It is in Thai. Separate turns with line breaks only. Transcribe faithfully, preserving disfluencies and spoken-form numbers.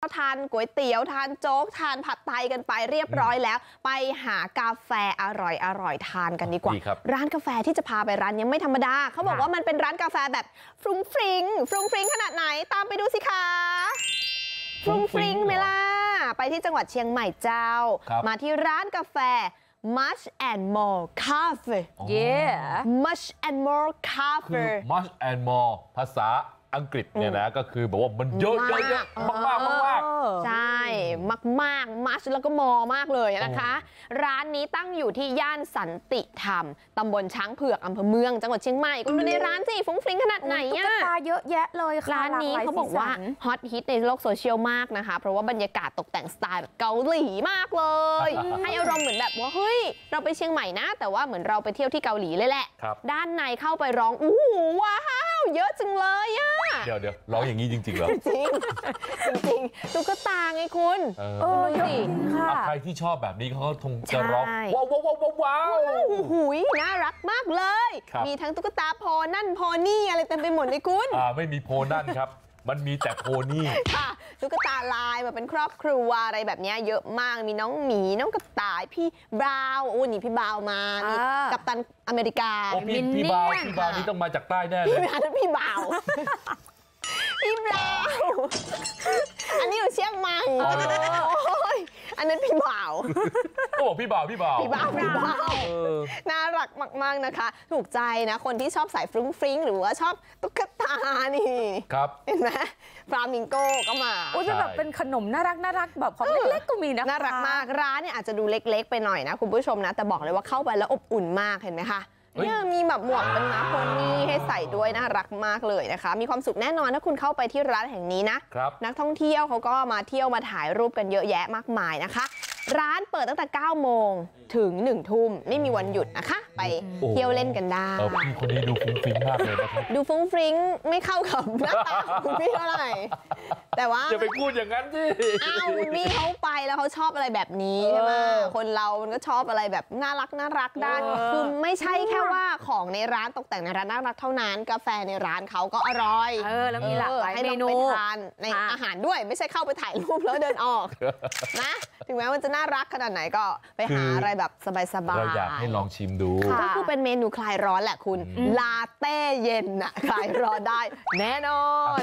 ทานก๋วยเตี๋ยวทานโจ๊กทานผัดไทยกันไปเรียบร้อยแล้วไปหากาแฟอร่อยอร่อยทานกันดีกว่าร้านกาแฟที่จะพาไปร้านนี้ไม่ธรรมดาเขาบอกว่ามันเป็นร้านกาแฟแบบฟรุ้งฟริ้งฟรุ้งฟริ้งขนาดไหนตามไปดูสิคะฟรุ้งฟริ้งไหมล่ะไปที่จังหวัดเชียงใหม่เจ้ามาที่ร้านกาแฟ Much and More Cafe yeah Much and More Cafe
คือ Much and More ภาษาอังกฤษเนี่ยนะก็คือบอกว่ามันเยอะเยอะมากมากมาก
ใช่มากมากมัชแล้วก็มอมากเลยนะคะร้านนี้ตั้งอยู่ที่ย่านสันติธรรมตำบลช้างเผือกอำเภอเมืองจังหวัดเชียงใหม่คุณดูในร้านสิฟุ้งฟริ้งขนาดไหนอ่ะตุ๊กตาเยอะแยะเลยค่ะร้านนี้เขาบอกว่าฮอตฮิตในโลกโซเชียลมากนะคะเพราะว่าบรรยากาศตกแต่งสไตล์แบบเกาหลีมากเลยให้อารมณ์เหมือนแบบว่าเฮ้ยเราไปเชียงใหม่นะแต่ว่าเหมือนเราไปเที่ยวที่เกาหลีเลยแหละด้านในเข้าไปร้องอู้หูว้าวเยอะจังเลยอ่ะ
เดี๋ยวเดี๋ยวร้องอย่างนี้จริงๆเหรอ
จริงจริงตุ๊กตาไงคุณเออดูสิ
ใครที่ชอบแบบนี้เขาคงจะร้องว้าวว้าวว้าวว้าว
หูยน่ารักมากเลยมีทั้งตุ๊กตาโพนั่นโพนี่อะไรเต็มไปหมดเลยคุณ
อ่าไม่มีโพนั่นครับมันมีแต่โพนี่
ค่ะตุ๊กตาลายแบบเป็นครอบครัวอะไรแบบนี้เยอะมากมีน้องหมีน้องกระต่ายพี่บราวน์โอ้นี่พี่บราวน์มามีกัปตันอเมริกา
พี่พี่บราวน์พี่บราวน์นี่ต้องมาจากใต้แน่เลย
พี่บราวน์พี่บราวน์พี่บราวน์อันนี้อยู่เชียงใหม่อันนั้นพี่บ่าว
ก็บอกพี่บ่าวพี่บ่าว
พี่บ่าวพี่บ่าวน่ารักมากๆนะคะถูกใจนะคนที่ชอบสายฟรุ้งฟริ้งหรือว่าชอบตุ๊กตานี่
ครับ
เห็นไหมฟลามิงโก้ก็มา
โอ้จะแบบเป็นขนมน่ารักน่ารักแบบของเล็กๆก็มีนะ
น่ารักมากร้านเนี่ยอาจจะดูเล็กๆไปหน่อยนะคุณผู้ชมนะแต่บอกเลยว่าเข้าไปแล้วอบอุ่นมากเห็นไหมคะเนี่ยมีแบบหมวกเป็นม้าโพนี่ให้ใส่ด้วยน่ารักมากเลยนะคะมีความสุขแน่นอนถ้าคุณเข้าไปที่ร้านแห่งนี้นะนักท่องเที่ยวเขาก็มาเที่ยวมาถ่ายรูปกันเยอะแยะมากมายนะคะร้านเปิดตั้งแต่เก้าโมงถึงหนึ่งทุ่มไม่มีวันหยุดนะคะไปเที่ยวเล่นกันได้
พี่คนนี้ดูฟุ้งฟิ้งมากเลยนะครับ
ดูฟุ้งฟริ้งไม่เข้ากับหน้าตาคุณพี่เท่าไหร่แต่ว่า
อย่าไปพูดอย่างนั้นสิ
อ้าวคุณพี่เขาไปแล้วเขาชอบอะไรแบบนี้ใช่ไหมคนเรามันก็ชอบอะไรแบบน่ารักน่ารักได้คือไม่ใช่แค่ว่าของในร้านตกแต่งในร้านน่ารักเท่านั้นกาแฟในร้านเขาก็อร่อย
เออแล้วมีหลากหลายเมนู
ให้เราไปทานในอาหารด้วยไม่ใช่เข้าไปถ่ายรูปแล้วเดินออกนะถึงแม้มันจะน่ารักขนาดไหนก็ไปหาอะไรแบบสบายๆ
เราอยากให้ลองชิมดู
ก็คือเป็นเมนูคลายร้อนแหละคุณลาเต้เย็นน่ะคลายร้อนได้แน่นอน